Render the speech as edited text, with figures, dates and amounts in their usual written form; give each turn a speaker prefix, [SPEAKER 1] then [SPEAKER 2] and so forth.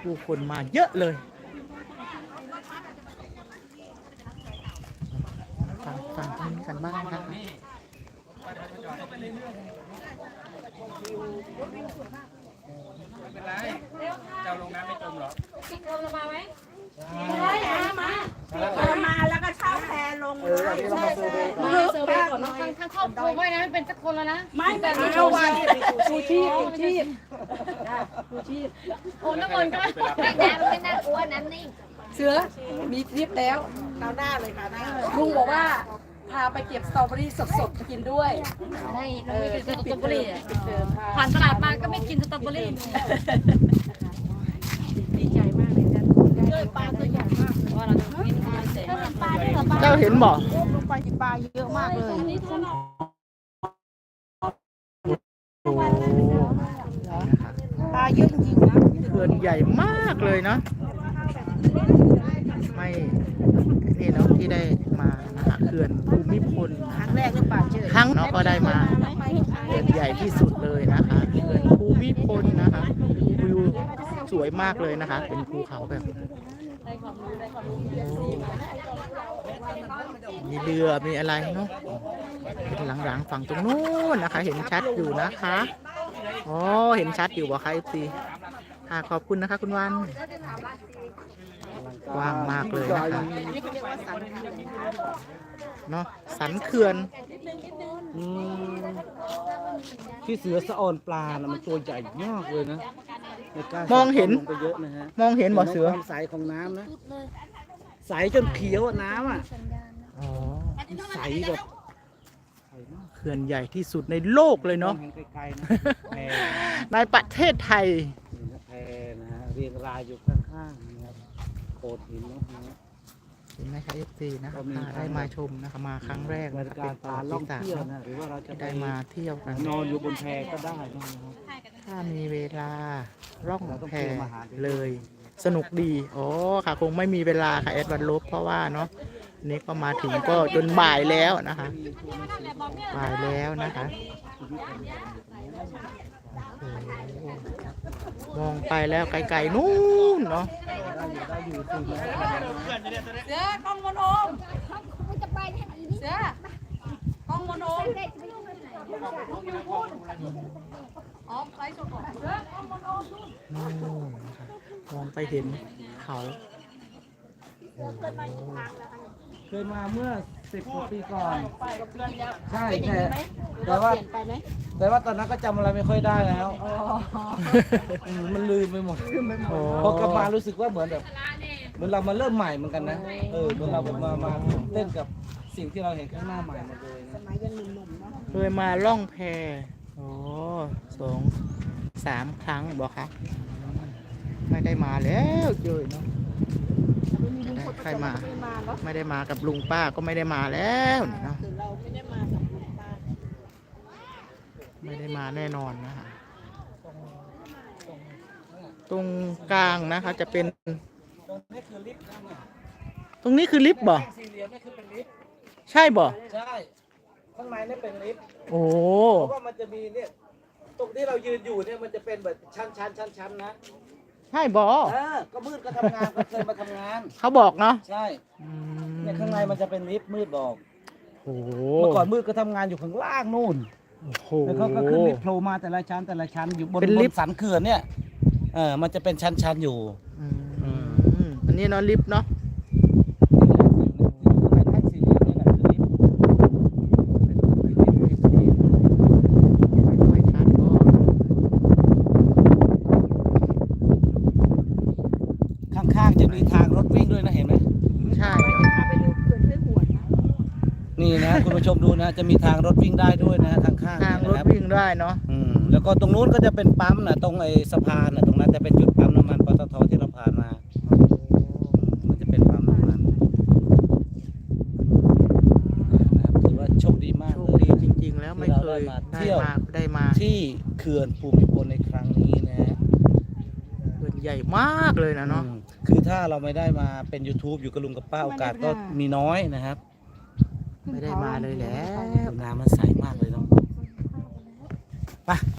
[SPEAKER 1] ผู้คนมาเยอะเลยฟังทางนี้กันบ้างนะคะ
[SPEAKER 2] เป็นไรเจ้าลงน้ำไม่จมหรอ
[SPEAKER 3] พี่เติมลงมาไหม
[SPEAKER 4] มาแล้วก็เช่าแพลงเลย
[SPEAKER 3] มาเซอร์เวย์ก่อนเนาะทั้งครอบครัวไม่นะเป็นสักคนแล้วนะ
[SPEAKER 4] ไม่แบบนี้ชูชีพ
[SPEAKER 3] โอ้น้ำมันก็
[SPEAKER 5] ไม่น่ากลัวน้ำนิ่ง
[SPEAKER 6] เสือมีทริปแล้ว
[SPEAKER 4] เราหน้าเลยค่ะหน้า
[SPEAKER 6] ลุงบอกว่าพาไปเก็บสตรอเบอรี่สดๆกินด้วย
[SPEAKER 3] ไม่เราไม่กินสตรอเบอรี่ผ่านตลาดมาก็ไม่กินสตรอเบอรี่
[SPEAKER 4] ดีใจมากเลยจ้ะ
[SPEAKER 3] ปลาตัวใหญ่มากว่าเราจะกินอะไรเสร็จปลาได้หรอปลา
[SPEAKER 1] เจ้าเห็นบ่
[SPEAKER 4] ลงไปที่ปลาเยอะมากเลย
[SPEAKER 1] โอ้
[SPEAKER 4] ปลาเยอะจริงๆนะ
[SPEAKER 1] เขื่อนใหญ่มากเลยเนาะไม่นี่เนาะที่ได้มานะคะเขื่อนภูมิพล
[SPEAKER 4] ครั้งแรกหรือเปล่าเจอ
[SPEAKER 1] ครั้งเนาะก็ได้มาเขื่อนใหญ่ที่สุดเลยนะคะเขื่อนภูมิพลนะคะวิวสวยมากเลยนะคะ เป็นภูเขาแบบมีเรือมีอะไรเนาะเป็นหลังๆฝั่งตรงนู้นนะคะ เห็นชัดอยู่นะคะอ๋อเห็นชัดอยู่บ่คะFCค่ะขอบคุณนะคะคุณวันกว้างมากเลยนะคะเนาะสันเขื่อน
[SPEAKER 2] ที่เสือสะออนปลานะมันตัวใหญ่มากเลยนะในการ
[SPEAKER 1] มองเห็น
[SPEAKER 2] ลงไปเยอะนะฮะ
[SPEAKER 1] มองเห็นบ่เสือ
[SPEAKER 2] ความใสของน้ำนะใสจนเขียวอะน้ำอ่ะ
[SPEAKER 1] อ๋อ
[SPEAKER 2] ใสแบบใสมาก
[SPEAKER 1] เขื่อนใหญ่ที่สุดในโลกเลยเนาะ
[SPEAKER 2] มองเห็นไกลๆนะแพ
[SPEAKER 1] ในประเทศไทย
[SPEAKER 2] นี่นะแพนะฮะเรียงรายอยู่ข้างๆนะครับโขดหินเนาะ
[SPEAKER 1] เห็นไหมคะ FC นะคะ
[SPEAKER 2] ก็มี
[SPEAKER 1] ได้มาชมนะคะมาครั้งแรก
[SPEAKER 2] บร
[SPEAKER 1] นะ
[SPEAKER 2] ร
[SPEAKER 1] คะ
[SPEAKER 2] ยากา
[SPEAKER 1] เป็นประวัติ
[SPEAKER 2] ศการล่อง
[SPEAKER 1] ศาสตร์
[SPEAKER 2] เที่ยว
[SPEAKER 1] เนาะ
[SPEAKER 2] นะหรือว่าเราจะ
[SPEAKER 1] ที่
[SPEAKER 2] ไป
[SPEAKER 1] ได้มาเที่ยวกัน
[SPEAKER 2] นอนอยู่บนแพก็ได้นะครับ
[SPEAKER 1] ถ้ามีเวลาล่อง
[SPEAKER 2] เราต้อง
[SPEAKER 1] แพ
[SPEAKER 2] เตรียมอาหารด้วย
[SPEAKER 1] เลย สนุกดีอ๋อค่ะคงไม่มีเวลาค่ะแอดวันลบเพราะว่าเนาะนี่ก็มาถึงก็จนบ่ายแล้วนะคะบ่ายแล้วนะคะโอ้โหมองไปแล้วไกลๆนู่นเนาะ
[SPEAKER 6] เสือกล้องมนโอม
[SPEAKER 5] จะไปไหนดี
[SPEAKER 6] เสือกล้องมนโอมอ๋อไลฟ์สดก่อนเสือกล้องมนโอม
[SPEAKER 1] นู่นนะคะมองไปเห็นเขาโอ้โห
[SPEAKER 2] เคยมาเมื่อ10 กว่าปีก่อน
[SPEAKER 4] ไปกับเพื่อนแล้ว
[SPEAKER 2] ใช่
[SPEAKER 4] เป็นอย่าง
[SPEAKER 2] แต่
[SPEAKER 4] นี้ไหม
[SPEAKER 2] แต่ว่า
[SPEAKER 4] เปลี่ยนไปไหม
[SPEAKER 2] แต่ว่าตอนนั้นก็จำอะไรไม่ค่อยได้แล้วมันลืมไปหมด
[SPEAKER 1] โอ้
[SPEAKER 2] พอกลับมารู้สึกว่าเหมือนแบบเหมือนเรามาเริ่มใหม่เหมือนกันนะเหมือนเราแบบมาเต้นกับสิ่งที่เราเห็นข้างหน้าใหม่หมดเลยนะ
[SPEAKER 4] สมัยยังหนุ่มๆเนาะ
[SPEAKER 1] เคยมาล่องแพโอ้2-3 ครั้งบอกคะไม่ได้มาแล้วเจอเนาะ
[SPEAKER 4] ไม่มีลุงพล
[SPEAKER 1] ใครมา
[SPEAKER 4] ไม่มาเนาะ
[SPEAKER 1] ไม่ได้มากับลุงป้าก็ไม่ได้มาแล้วเนาะ
[SPEAKER 4] คือเราไม่ได้มากับลุงป้า
[SPEAKER 1] ไม่ได้มาแน่นอนนะคะตรงกลางนะคะจะเป็น
[SPEAKER 2] ตรงนี้คือลิฟต์นะเนี่ย
[SPEAKER 1] ตรงนี้คือลิฟต์บ่
[SPEAKER 2] สี่เหลี่ยมนี่คือเป็นลิฟต์
[SPEAKER 1] ใช่บ่
[SPEAKER 2] ใช่ข้างในนี่เป็นลิฟต์
[SPEAKER 1] โอ้
[SPEAKER 2] เพราะว่ามันจะมีเนี่ยตรงที่เรายืนอยู่เนี่ยมันจะเป็นแบบชั้นนะ
[SPEAKER 1] ใช่บ่
[SPEAKER 2] ก็มืดก็ทำงานก็เคยมาทำงาน
[SPEAKER 1] เขาบอกเนาะ
[SPEAKER 2] ใช่
[SPEAKER 1] อืม
[SPEAKER 2] เนี่ยข้างในมันจะเป็นลิฟต์มืดบอก
[SPEAKER 1] โอ้โห
[SPEAKER 2] เมื่อก่อนมืดก็ทำงานอยู่ข้างล่างนู่น
[SPEAKER 1] โอ้โห
[SPEAKER 2] แล้วเขาก็ขึ้นลิฟต์โผล่มาแต่ละชั้นอยู่บน
[SPEAKER 1] เป็นลิฟต์
[SPEAKER 2] บนสันเขื่อนเนี่ยมันจะเป็นชั้นอยู่
[SPEAKER 1] อืมอันนี้เนาะลิฟต์เนาะ
[SPEAKER 2] แท่งสี่เหลี่ยมนี่แหละคือลิฟต์
[SPEAKER 1] ไม่ชัดก็
[SPEAKER 2] ข้างๆจะมีทางรถวิ่งด้วยนะเห็นไหม
[SPEAKER 1] ใช่
[SPEAKER 4] พาไปดูเขื่อนห้วยหวนนะ
[SPEAKER 2] นี่นะคุณผู้ชมดูนะจะมีทางรถวิ่งได้ด้วยนะข้างๆ
[SPEAKER 1] ทาง
[SPEAKER 2] เนี่ย
[SPEAKER 1] รถ
[SPEAKER 2] นะครับ
[SPEAKER 1] วิ่งได้เนาะ
[SPEAKER 2] แล้วก็ตรงนู้นก็จะเป็นปั๊มนะตรงไอ้สะพานนะตรงนั้นจะเป็นจุดปั๊มน้ำมันปตทที่เราผ่านมามันจะเป็นปั๊มน้ำมันนะครับถือว่าโชคดีมาก
[SPEAKER 1] โช
[SPEAKER 2] เล
[SPEAKER 1] ค
[SPEAKER 2] ย
[SPEAKER 1] ดีจริงๆ แล้วไม่เคย
[SPEAKER 2] ที่เราได้มาเที่ยว
[SPEAKER 1] ได้มา
[SPEAKER 2] ที่เขื่อนภูมิพลในครั้งนี้นะฮะ
[SPEAKER 1] เขื่อนใหญ่มากเลยนะเนาะ
[SPEAKER 2] คือถ้าเราไม่ได้มาเป็น YouTube อยู่กับลุงกับป้าโอกาสก็มีน้อยนะครับ
[SPEAKER 1] ไม่ได้มาเลยแหล้ว
[SPEAKER 2] น้ำมันใสมากเลยเนาะไป